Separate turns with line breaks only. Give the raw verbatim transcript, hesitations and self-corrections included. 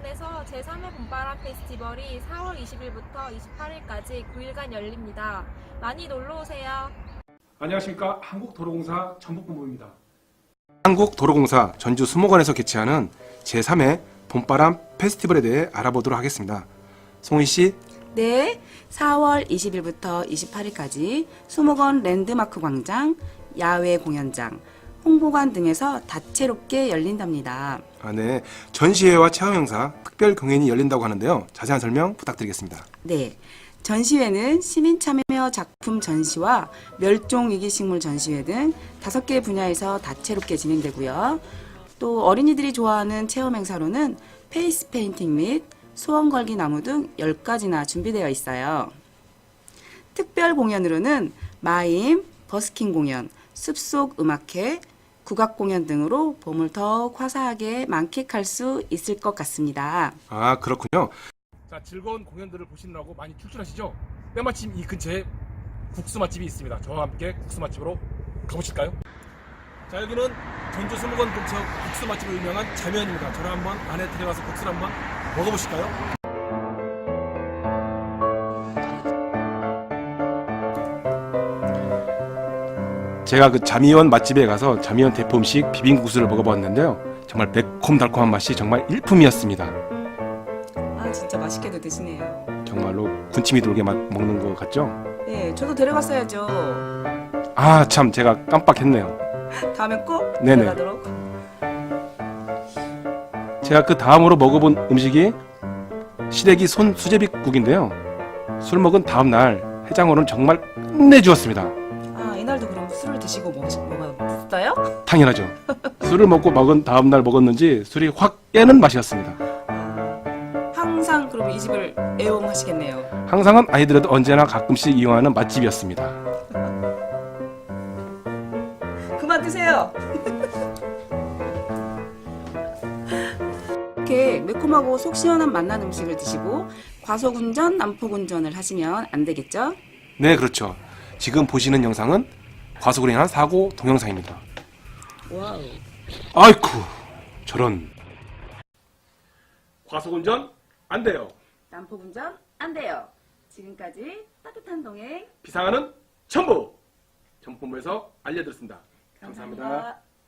수목원에서 제삼 회 봄바람 페스티벌이 사월 이십일부터 이십팔일까지 구 일간 열립니다. 많이 놀러오세요.
안녕하십니까. 한국도로공사 전북본부입니다.
한국도로공사 전주 수목원에서 개최하는 제삼 회 봄바람 페스티벌에 대해 알아보도록 하겠습니다. 송희 씨.
네, 사월 이십일부터 이십팔일까지 수목원 랜드마크 광장, 야외 공연장, 홍보관 등에서 다채롭게 열린답니다.
아, 네. 전시회와 체험 행사, 특별 공연이 열린다고 하는데요. 자세한 설명 부탁드리겠습니다.
네, 전시회는 시민 참여 작품 전시와 멸종위기 식물 전시회 등 다섯 개 분야에서 다채롭게 진행되고요. 또 어린이들이 좋아하는 체험 행사로는 페이스 페인팅 및 소원 걸기 나무 등 열 가지나 준비되어 있어요. 특별 공연으로는 마임, 버스킹 공연, 숲속 음악회, 국악 공연 등으로 봄을 더욱 화사하게 만끽할 수 있을 것 같습니다.
아, 그렇군요.
자, 즐거운 공연들을 보시느라고 많이 출출하시죠? 때마침 이 근처에 국수 맛집이 있습니다. 저와 함께 국수 맛집으로 가보실까요? 자, 여기는 전주 수목원 근처 국수 맛집으로 유명한 자면입니다. 저랑 한번 안에 들어가서 국수를 한번 먹어보실까요?
제가 그 자미원 맛집에 가서 자미원 대표 음식 비빔국수를 먹어봤는데요. 정말 매콤달콤한 맛이 정말 일품이었습니다.
아, 진짜 맛있게도 드시네요.
정말로 군침이 돌게 맛 먹는 것 같죠?
네, 저도 데려갔어야죠.
아, 참 제가 깜빡했네요.
다음에 꼭
네네.
데려가도록.
제가 그 다음으로 먹어본 음식이 시래기 손 수제비국인데요. 술 먹은 다음 날 해장으로는 정말 끝내주었습니다.
아, 이날도 그럼 술을 드시고 뭐, 먹었어요?
당연하죠. 술을 먹고 먹은 다음 날 먹었는지 술이 확 깨는 맛이었습니다.
아, 항상 그럼 이 집을 애용하시겠네요.
항상은 아니더라도 언제나 가끔씩 이용하는 맛집이었습니다.
그만 드세요. 이렇게 매콤하고 속 시원한 맛난 음식을 드시고 과속운전, 난폭운전을 하시면 안 되겠죠?
네, 그렇죠. 지금 보시는 영상은 과속으로 인한 사고 동영상입니다.
와우.
아이쿠, 저런.
과속운전 안 돼요.
난폭운전 안 돼요. 지금까지 따뜻한 동행
비상하는 전부 전북본부에서 알려드렸습니다. 감사합니다.
감사합니다.